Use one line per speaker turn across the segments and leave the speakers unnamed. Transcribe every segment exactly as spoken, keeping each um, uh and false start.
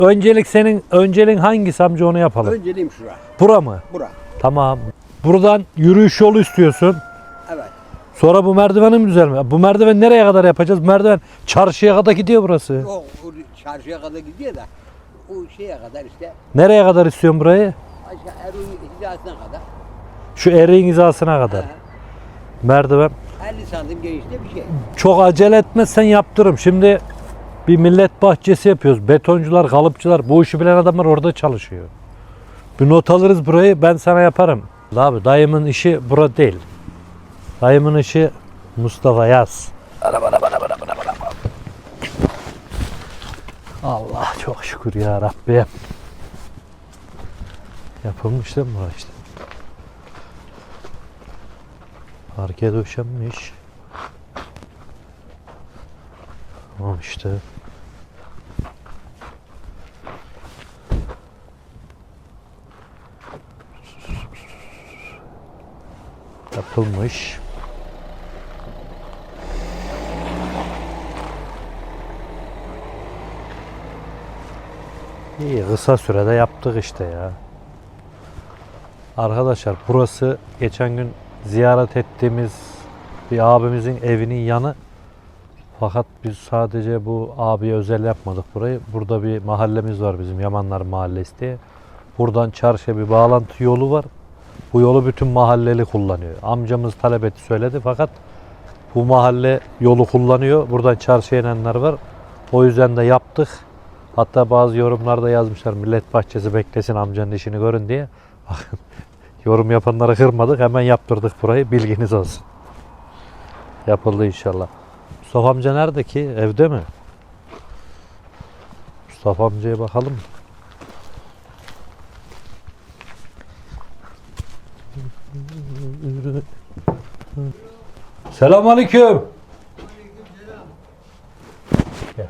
öncelik senin önceliğin hangisi amca, onu yapalım.
Önceliğim şura.
Bura mı?
Bura.
Tamam. Buradan yürüyüş yolu istiyorsun.
Evet.
Sonra bu merdivenin mi düzelme? Bu merdiven nereye kadar yapacağız? Merdiven çarşıya kadar gidiyor burası.
O, o çarşıya kadar gidiyor da o şeye kadar işte
Nereye kadar istiyorsun burayı?
aşağı Erun hizasına kadar.
Şu eriğin hizasına kadar.
Ha,
Merdiven.
elli santim genişte bir şey.
Çok acele etmezsen yaptırırım. Şimdi bir millet bahçesi yapıyoruz. Betoncular, kalıpçılar, bu işi bilen adamlar orada çalışıyor. Bir not alırız burayı, ben sana yaparım. Abi dayımın işi bura değil. Dayımın işi Mustafa Yaz. Allah çok şükür ya Rabbi. Yapılmış değil mi bura işte? Parke döşenmiş. Tamam işte. Yapılmış. İyi, kısa sürede yaptık işte ya. Arkadaşlar burası geçen gün ziyaret ettiğimiz bir abimizin evinin yanı. Fakat biz sadece bu abiye özel yapmadık burayı. Burada bir mahallemiz var bizim, Yamanlar Mahallesi diye. Buradan çarşıya bir bağlantı yolu var. Bu yolu bütün mahalleli kullanıyor. Amcamız talep etti, söyledi, fakat bu mahalle yolu kullanıyor. Buradan çarşıya inenler var. O yüzden de yaptık. Hatta bazı yorumlarda yazmışlar, millet bahçesi beklesin amcanın işini görün diye. Bakın, yorum yapanları kırmadık, hemen yaptırdık burayı, bilginiz olsun. Yapıldı inşallah. Mustafa amca nerede ki? Evde mi? Mustafa amcaya bakalım. Selamünaleyküm. Gel.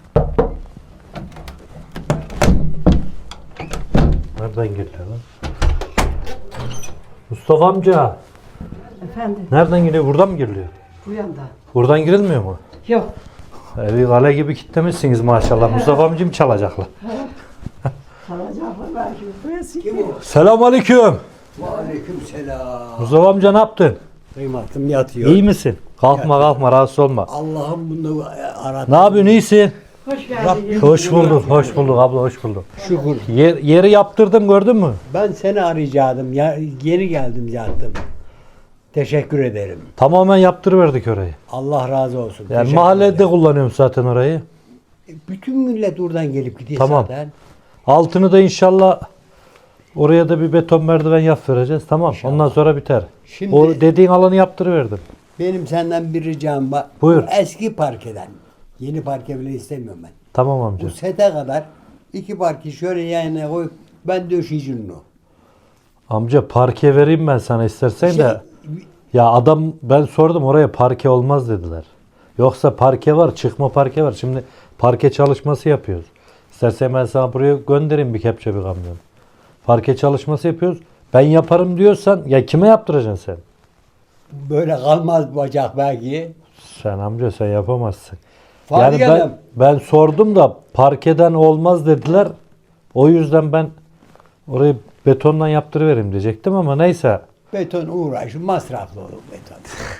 Nereden geliyor lan? Mustafa amca.
Efendim,
Nereden geliyor? Buradan mı giriliyor?
bu yanda.
Buradan girilmiyor mu?
Yok.
Evi kale gibi kitlemişsiniz maşallah. Mustafa amcım çalacaklar.
Kalacaklar belki. Burası
Kim o?
Selamünaleyküm.
Aleyküm selam.
Mustafa amca ne yaptın?
Kıymatım yatıyor.
İyi misin? Kalkma kalkma, rahatsız olma.
Allah'ım bunu aradı.
Ne yapıyorsun, iyisin?
hoş geldin.
Rabbim-
Hoş bulduk, hoş bulduk abla, hoş bulduk.
Şükür.
Yer, yeri yaptırdım, gördün mü?
Ben seni arayacaktım. Ya, yeni geldim yattım. Teşekkür ederim.
Tamamen yaptırıverdik orayı.
Allah razı olsun.
Yani
Teşekkür
mahallede
ederim.
kullanıyorum zaten orayı.
Bütün millet oradan gelip gidiyor
Tamam.
zaten.
Altını da inşallah oraya da bir beton merdiven yap vereceğiz. Tamam.
İnşallah.
Ondan sonra biter.
Şimdi-
O dediğin alanı yaptırıverdim.
Benim senden bir ricam var.
Buyur.
Bu eski parkeden. Yeni parke bile istemiyorum ben.
Tamam amca.
Bu sete kadar iki parke şöyle yanına koyup ben döşeyeceğim onu.
Amca parke vereyim ben sana istersen
Şey,
de. Ya adam, ben sordum, oraya parke olmaz dediler. Yoksa parke var, çıkma parke var. Şimdi parke çalışması yapıyoruz. İstersen ben sana buraya göndereyim bir kepçe bir kamyon. Parke çalışması yapıyoruz. Ben yaparım diyorsan ya kime yaptıracaksın sen?
böyle kalmaz bacak belki.
Sen amca sen yapamazsın.
Fark
yani ben,
edem.
ben sordum da parkeden olmaz dediler. O yüzden ben orayı betondan yaptırıvereyim diyecektim ama neyse.
Beton uğraş, masraflı olur beton.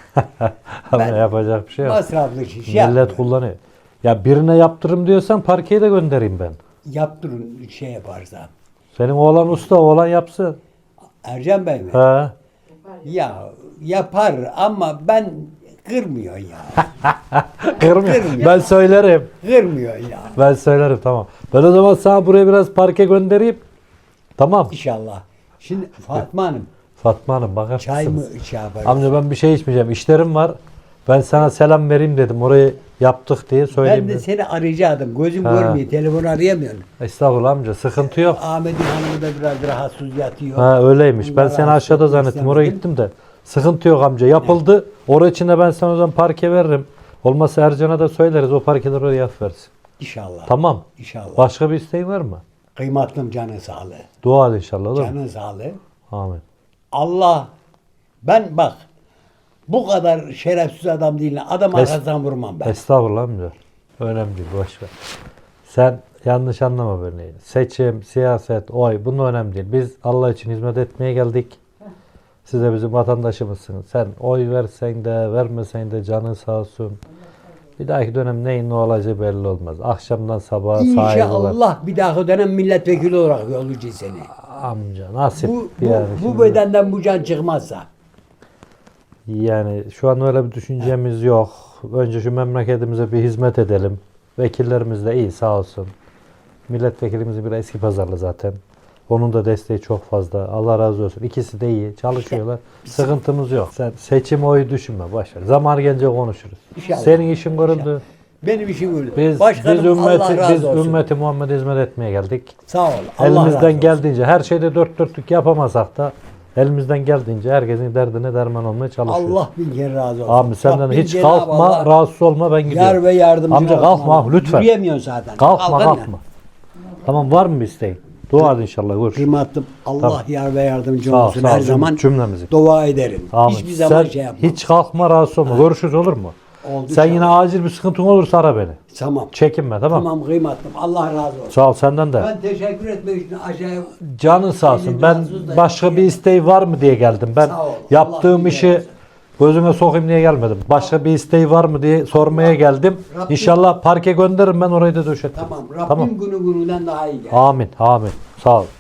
Ama
Ben-
yapacak bir şey yok.
Masraflı iş
Millet
yapmıyorum.
kullanıyor. Ya birine yaptırım diyorsan parkeyi de göndereyim ben.
Yaptırın şey yaparsa.
Senin oğlan usta, oğlan yapsın.
Ercan Bey mi?
He.
Ya yapar ama ben kırmıyor ya.
Kırmıyor.
Kırmıyor.
Ben söylerim.
Kırmıyor ya.
Ben söylerim, tamam. Ben o zaman sana buraya biraz parke göndereyim. Tamam.
İnşallah. Şimdi Fatma Hanım
Fatma Hanım bakar
çay mı
mısınız?
şey yaparız?
Amca ben bir şey içmeyeceğim. İşlerim var. Ben sana selam vereyim dedim. Orayı yaptık diye söyleyeyim.
Ben de
dedim.
seni arayacaktım. Gözüm
Ha.
görmüyor. Telefon arayamıyorum.
Estağfurullah amca. Sıkıntı yok.
Ahmet'in hanımı da biraz rahatsız yatıyor.
Ha öyleymiş. Ben
Bunlar
seni
rahatsız
aşağıda
etmek
zannettim. Oraya
istemedim.
gittim de. Sıkıntı yok amca. Yapıldı. Oraya içinde ben sana o zaman parke veririm. Olmazsa Ercan'a da söyleriz. O parkeleri oraya yap versin.
İnşallah.
Tamam.
İnşallah.
Başka bir isteğin var mı?
Kıymatlım canın sağlığı.
Dua al inşallah, olur mu?
Canın sağlığı.
Amin.
Allah ben bak bu kadar şerefsiz adam değil. Adam
Es-
arkasından vurmam ben.
Estağfurullah amca. Önemli değil. Boş ver. Sen yanlış anlama beni. Seçim, siyaset, oy bunun önemli değil. Biz Allah için hizmet etmeye geldik. Siz de bizim vatandaşımızsınız. Sen oy versen de vermesen de canın sağ olsun. Bir dahaki dönem neyin ne olacağı belli olmaz. Akşamdan sabaha saygılar.
İnşallah bir dahaki dönem milletvekili olarak yollayacağız seni.
Amca nasip
Bu, bu,
yani.
bu
şimdi.
bedenden bu can çıkmazsa.
Yani şu an öyle bir düşüncemiz yok. Önce şu memleketimize bir hizmet edelim. Vekillerimiz de iyi sağ olsun. Milletvekilimiz bir eski pazarlı zaten. Onun da desteği çok fazla. Allah razı olsun. İkisi de iyi. Çalışıyorlar. Sıkıntımız yok. Sen seçim oyu düşünme. Boş ver. Zaman gelince konuşuruz.
İnşallah.
Senin işin görüldü.
Benim işim öyle.
Biz,
Başkanım
biz ümmeti,
Allah razı
biz
olsun.
ümmeti Muhammed hizmet etmeye geldik.
Sağ ol. Allah razı
Elimizden
olsun.
geldiğince her şeyde dört dörtlük yapamasak da elimizden geldiğince herkesin derdine derman olmaya çalışıyoruz.
Allah bin kere razı olsun.
Abi senden
Rabbim
hiç
Cenab-ı
kalkma,
Allah
rahatsız olma ben gidiyorum.
Yar ve yardımcı
Amca
olsun
kalkma
Allah.
lütfen.
Yürüyemiyorsun zaten.
Kalkma
Kalkın
kalkma. Tamam var mı bir isteğin? Dua et inşallah görüş.
Kıymetli Allah
Tamam.
yar ve yardımcı
Sağ ol,
olsun.
sağ ol.
Her zaman
Cümlemizi.
dua ederim.
Amin.
Hiçbir zaman
Sen
şey yapmam.
hiç kalkma rahatsız olma. Görüşürüz olur mu?
Oldu
Sen
inşallah.
yine acil bir sıkıntın olursa ara beni.
Tamam.
Çekinme tamam.
Tamam kıymetlim. Allah razı olsun.
Sağ ol senden de.
Ben teşekkür etmek için aşağıya
Canın sağ olsun.
Elini
Ben
rahatsız da-
başka bir isteği var mı diye geldim. Ben
Sağ ol. Allah
yaptığım
bir
işi
razı olsun.
gözüme sokayım diye gelmedim. Başka bir isteği var mı diye sormaya geldim.
Rabbim-
İnşallah parke gönderirim ben orayı da döşetirim.
tamam. Rabbim günü gününden daha iyi gelsin.
Amin. Amin. Sağ ol.